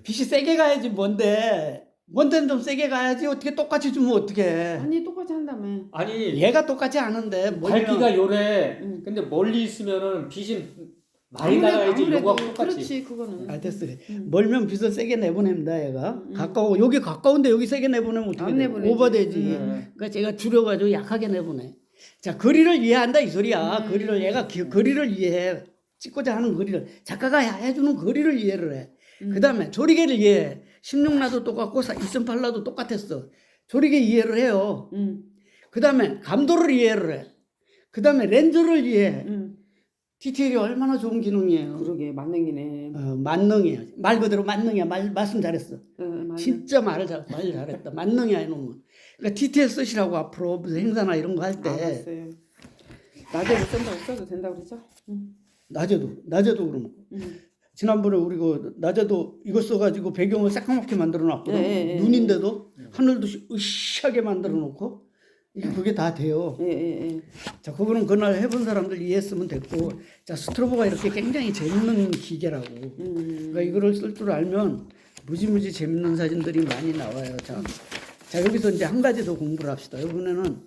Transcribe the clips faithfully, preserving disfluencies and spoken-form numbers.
빛이 세게 가야지 뭔데. 뭔데는 좀 세게 가야지. 어떻게 똑같이 주면 어떡해. 아니 똑같이 한다며. 아니 얘가 똑같이 하는데 멀면- 밝기가 요래. 응. 근데 멀리 있으면은 빛이 많이 아무래도- 나가야지 아무래도 이거하고 똑같이. 그렇지 그거는. 아 됐어. 음. 멀면 빛을 세게 내보냅니다 얘가. 음, 음. 가까워 여기 가까운데 여기 세게 내보내면 어떻게 안 돼? 내보내지. 오버되지. 음. 그러니까 제가 줄여가지고 약하게 내보내. 자 거리를 이해한다 이 소리야. 음. 거리를 얘가 기, 거리를 이해해. 찍고자 하는 거리를 작가가 해주는 거리를 이해를 해. 음. 그 다음에 조리개를 이해해. 십육 나도 똑같고 이십팔 나도 똑같았어. 조리개 이해를 해요. 응. 그 다음에 감도를 이해를 해. 그 다음에 렌즈를 이해해. 응. 디테일이 얼마나 좋은 기능이에요. 그러게 만능이네. 어, 만능이야. 말 그대로 만능이야. 말, 말씀 잘했어. 어, 만능. 진짜 말을 잘, 말 잘했다. 만능이야 이놈은. 그러니까 디테일 쓰시라고 앞으로 무슨 행사나 이런 거 할 때 알았어요. 낮에도 쓴다고 써도 된다고 그랬죠? 응. 낮에도 낮에도 그러면 응. 지난번에 우리 그 낮에도 이거 써가지고 배경을 새까맣게 만들어 놨거든. 예, 예, 예, 눈인데도 하늘도 시- 으쌰하게 만들어 놓고 이게 그게 다 돼요. 예, 예, 예. 자, 그거는 그날 해본 사람들 이해했으면 됐고, 자 스트로보가 이렇게 굉장히 재밌는 기계라고. 음. 그러니까 이거를 쓸 줄 알면 무지무지 재밌는 사진들이 많이 나와요. 자, 자 여기서 이제 한 가지 더 공부를 합시다. 이번에는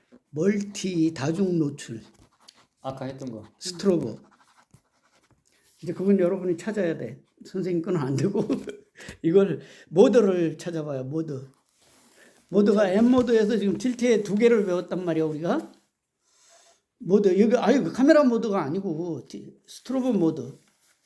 멀티 다중 노출 아까 했던 거. 스트로보. 이제 그건 여러분이 찾아야 돼. 선생님 거는 안 되고 이걸 모드를 찾아봐요. 모드. 모드가 M 모드에서 지금 틸트에 두 개를 배웠단 말이야 우리가. 모드 여기 아유 카메라 모드가 아니고 티- 스트로보 모드.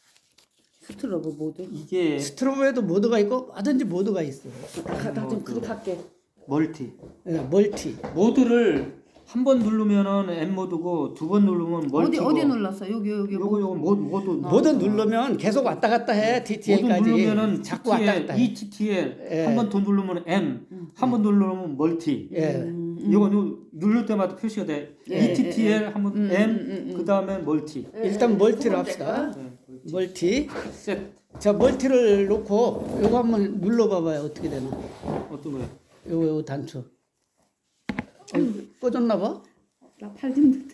스트로브 모드. 이게 스트로보에도 모드가 있고 뭐든지 모드가 있어. 나좀 그렇게 할게. 멀티. 예, 멀티. 모드를 한 번 누르면은 M 모드고 두 번 누르면 어디 멀티고. 어디 눌렀어? 여기 여기 요거 뭐. 요거 모드 모드. 모드 누르면 계속 왔다 갔다 해. 모드 티티엘까지. 누르면은 자꾸 왔다 갔다 해. E T T L 예. 한 번 더 누르면 M, 한 번 누르면 멀티. 예. 음, 이거 요 누를 때마다 표시가 돼. 예, E T T L 한번 음, M, 음, 음, 음. 그 다음에 멀티. 일단 멀티를 합시다. 네, 멀티. 멀티. 셋. 자, 멀티를 놓고 요거 한번 눌러 봐봐요. 어떻게 되나. 어떤 거요? 요거 요거 단추. 어, 꺼졌나 봐? 나팔 좀.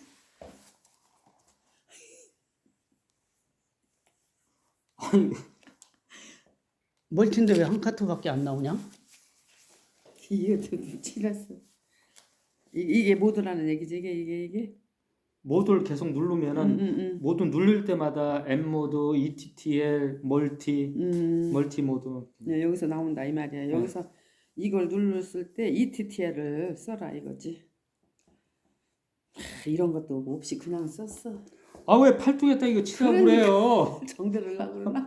아니, 멀티인데 왜 한 카트밖에 안 나오냐? 이게 좀 지났어. 이 이게 모드라는 얘기지 이게 이게 이게. 모드를 계속 누르면은 음, 음, 모드 누를 때마다 M 모드, E T T L, 멀티, 음. 멀티 모드. 네, 여기서 나온다 이 말이야. 여기서 이걸 눌렀을 때 E T T L을 써라 이거지. 하, 이런 것도 없이 그냥 썼어. 아 왜 팔뚝에다 이거 치라고 그러니까. 그래요? 정들으려고 그러나?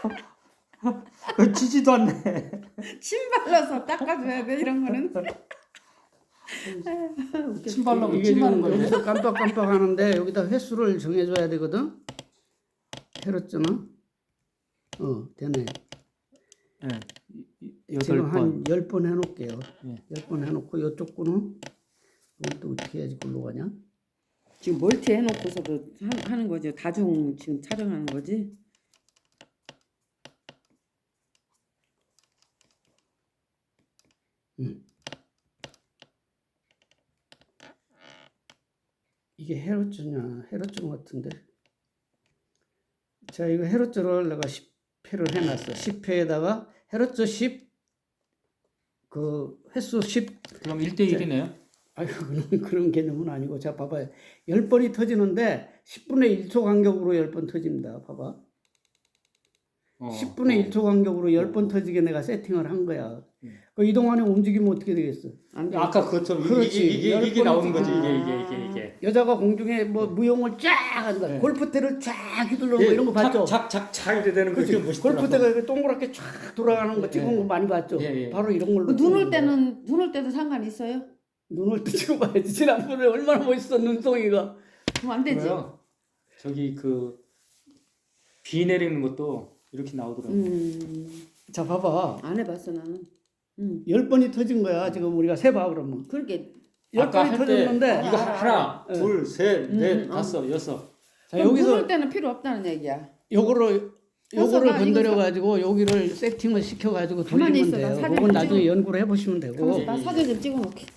그 치지도 않네. 침 발라서 닦아줘야 돼 이런 거는. 침 발라고 이게 침 하는 지금 거예요. 여기서 깜빡깜빡 하는데 여기다 횟수를 정해줘야 되거든. 헤르츠는 어 되네. 네. 지금 여덟 번. 한 열 번 해놓을게요. 예. 열 번 해놓고 이쪽 거는 이것도 어떻게 해야지 글로 가냐? 지금 멀티 해놓고서도 하, 하는 거지. 다중 지금 촬영하는 거지. 음. 이게 헤르츠냐? 헤르츠 같은데. 자, 이거 헤르츠를 내가 십 회를 해놨어. 십 회에다가 헤르츠 십, 그 횟수 십. 그럼 일 대 일이네요. 아유, 그런, 그런 개념은 아니고. 자, 봐봐요. 열 번이 터지는데 십분의 일 초 간격으로 열 번 터집니다. 봐봐. 어, 십분의 어. 일 초 간격으로 열 번 터지게 내가 세팅을 한 거야. 음. 그 이동안에 움직이면 어떻게 되겠어? 안 돼. 아까 그것처럼 그렇지. 이게 이게, 열 이게 번이 나오는 거지. 아. 이게 이게 이게 이게. 여자가 공중에 뭐 무용을 쫙 한다. 네. 골프대를 쫙 휘둘러 거 이런 거 봤죠? 착착착 이래 되는 거 그렇지. 이게 멋있더라고. 골프대가 이렇게 동그랗게 쫙 돌아가는 거 찍은 예. 거 많이 봤죠? 예, 예. 바로 이런 걸로. 그 눈 올 찍는 거야. 때는 눈 올 때도 상관 있어요? 눈을 때 찍어봐야지. 지난번에 얼마나 멋있어 눈송이가. 그럼 안 되지. 그래요. 저기 그 비 내리는 것도 이렇게 나오더라고. 음, 자 봐봐. 안 해봤어 나는. 음, 열 번이 터진 거야. 지금 우리가 세봐 그러면. 그렇게 열 아까 번이 할 때 터졌는데. 이거 하나, 예. 둘, 셋, 넷, 음, 다섯, 여섯. 자 그럼 눈 여기서 올 때는 필요 없다는 얘기야. 요거를 해서 요거를 나 건드려 이거 가지고 여기를 세팅을 시켜 가지고 가만히 돌리면 있어. 나 돼요. 사진 그건 좀 나중에 찍어. 연구를 해보시면 되고. 그럼 나 사진 좀 찍어놓게.